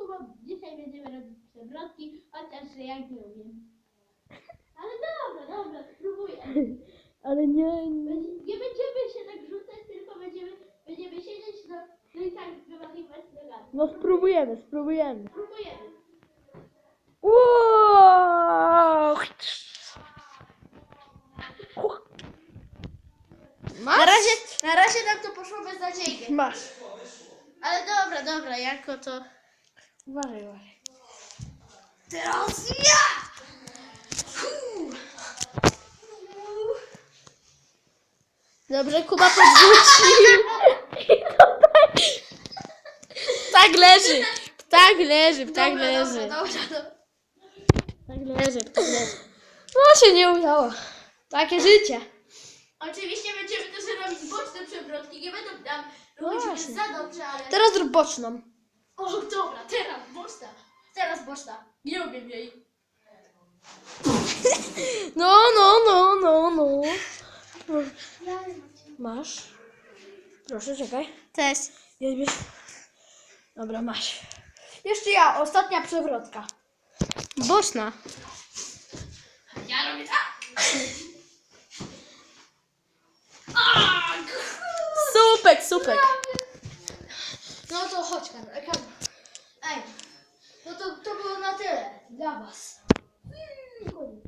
Kuba, dzisiaj będziemy robić przewrotki, chociaż ja nie umiem. Ale dobra, spróbuję. Ale nie... Nie będziemy się tak rzucać, tylko będziemy siedzieć, no i tak wymachiwać nogami. No spróbujemy. Spróbujemy. Wow! Na razie nam to poszło beznadziejnie. Masz. Ale dobra, jako to... Uważaj. Teraz ja! Dobrze, Kuba podrzucił. I to tak. Tak leży. Tak leży. Dobra. Tak leży. No się nie udało. Takie życie. Oczywiście będziemy też robić boczne przewrotki, nie będą tam robić Właśnie. za dobrze, ale... Teraz zrób boczną. O, dobra, teraz boczna. Nie umiem jej. No. Masz. Proszę, czekaj. Cześć. Jedziesz. Dobra, masz. Jeszcze ja, ostatnia przewrotka. Boczna. Ja robię tak. Supek. No to chodź, Karol. Ej, no to było na tyle dla was. Koniec.